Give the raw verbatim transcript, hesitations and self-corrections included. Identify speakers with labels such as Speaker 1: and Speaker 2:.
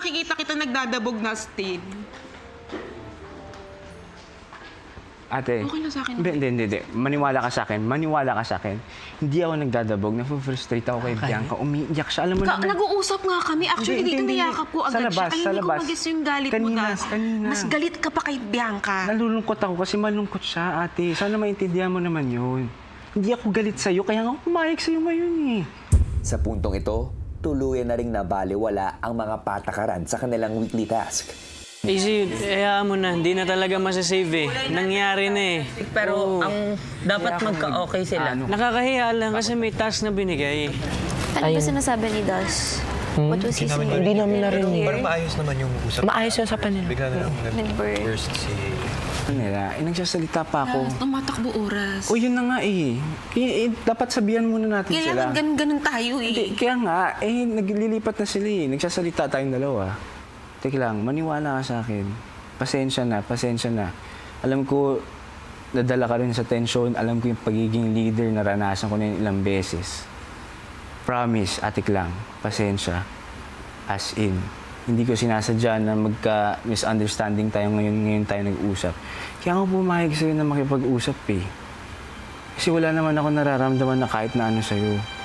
Speaker 1: nakikita kita nagdadabog na still.
Speaker 2: Ate,
Speaker 1: Okay lang sa akin.
Speaker 2: Hindi, hindi, hindi. Maniwala ka sa akin. Maniwala ka sa akin. Hindi ako nagdadabog. Nafu-frustrate ako kay Bianca. Umiiyak siya. Alam mo
Speaker 1: Ka,
Speaker 2: naman.
Speaker 1: nag-uusap nga kami. Actually,
Speaker 2: Hindi,
Speaker 1: dito
Speaker 2: hindi, hindi.
Speaker 1: niyakap ko
Speaker 2: Sa
Speaker 1: agad
Speaker 2: labas,
Speaker 1: siya. Ay,
Speaker 2: sa
Speaker 1: hindi ko
Speaker 2: labas.
Speaker 1: magis yung galit
Speaker 2: Kanina,
Speaker 1: mo, Das.
Speaker 2: kanina.
Speaker 1: Mas galit ka pa kay Bianca.
Speaker 2: Nalulungkot ako kasi malungkot siya, ate. Sana maintindihan mo naman yun. Hindi ako galit sa'yo, kaya nga ako pumayag sa'yo ngayon eh.
Speaker 3: Sa puntong ito, tuluyan na ring nabaliwala ang mga patakaran sa kanilang weekly task.
Speaker 4: Easy, hayaan mo na. Hindi na talaga masasave eh. Nangyari na eh.
Speaker 5: Pero
Speaker 4: Oo.
Speaker 5: ang dapat magka-okay sila.
Speaker 2: Ano?
Speaker 4: Nakakahiya lang kasi may task na binigay.
Speaker 6: Ano ba sinasabi ni Das? What was he saying?
Speaker 5: Hindi namin narinig.
Speaker 7: Parang maayos naman yung usap.
Speaker 5: Maayos yung usapan nila.
Speaker 7: Bigla na lang
Speaker 6: Nag-burst.
Speaker 7: nag-burst si...
Speaker 2: Ano nila, eh, nagsasalita pa ako.
Speaker 1: Tumatakbo oras.
Speaker 2: O yun na nga eh. Kaya, eh, dapat sabihan muna natin sila.
Speaker 1: Kailangan ganun-ganun tayo eh.
Speaker 2: Hindi, kaya nga, eh, naglilipat na sila eh. Nagsasalita tayong dalawa. Teka lang, maniwala ka sa akin. Pasensya na, pasensya na. Alam ko, nadala ka rin sa tension. Alam ko yung pagiging leader, naranasan ko na yun ilang beses. Promise, atik lang, pasensya. As in, hindi ko sinasadya na magka-misunderstanding tayo ngayon, ngayon tayo nag-usap. Kaya ako pumayag sa'yo na makipag-usap eh. Kasi wala naman ako nararamdaman na kahit na ano sa'yo.